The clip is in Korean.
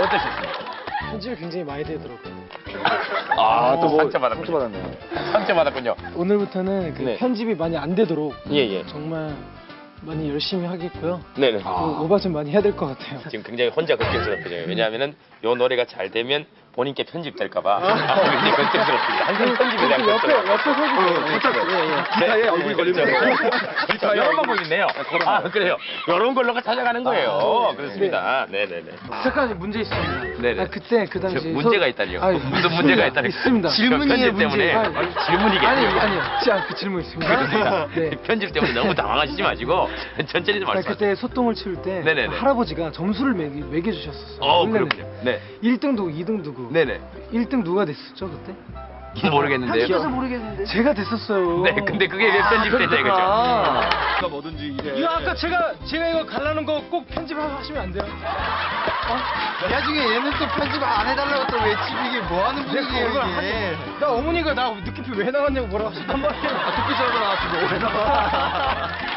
어떠셨습니까? 편집이 굉장히 많이 되더라고요. 아, 또 뭐 상처받았네요. 상처받았군요. 오늘부터는 그 네. 편집이 많이 안 되도록 예. 정말 많이 열심히 하겠고요. 네네. 그 오바 좀 많이 해야 될 것 같아요. 지금 굉장히 혼자 걱정스럽거든요. 왜냐하면은 요 노래가 잘 되면 본인께 편집될까봐 굉장히 걱정스럽습니다. 항상 편집에 대한 걱정. 옆에 서주세요. 기사에 얼굴이 걸리면 그렇죠. 이런 방법이 있네요. 아, 그래요. 이런 걸로가 찾아가는 거예요. 그렇습니다. 네네네. 잠깐 문제 있습니다. 네네. 아, 그때 그 당시 문제가 있다니요. 아니, 무슨 문제가 있다니요. 있습니다. 질문이에요, 편집 때문에. 질문이겠죠. 아니요. 그 질문 있습니다. 그렇습니다. 네. 편집 때문에 너무 당황하시지 마시고 천천히 좀 아니, 말씀하세요. 그때 소똥을 치울 때 네네네. 할아버지가 점수를 매겨주셨었어요. 그렇군요. 네. 1등 누구, 2등 누구. 네네. 1등 누가 됐었죠 그때? 모르겠는데요. 모르겠는데. 제가 됐었어요. 네, 근데 그게 왜 편집되냐 이거죠. 누가 뭐든지 이래. 이거 아까 제가 이거 갈라놓은 거 꼭 편집하시면 안 돼요? 나중에 얘는 또 편집 안 해달라고 또 외치고 이게 뭐 하는 분위기예요 이게. 나 어머니가 나 느낌표 왜 나갔냐고 뭐라고 하셨단 말이에요. 듣기 전에 나왔지 뭐.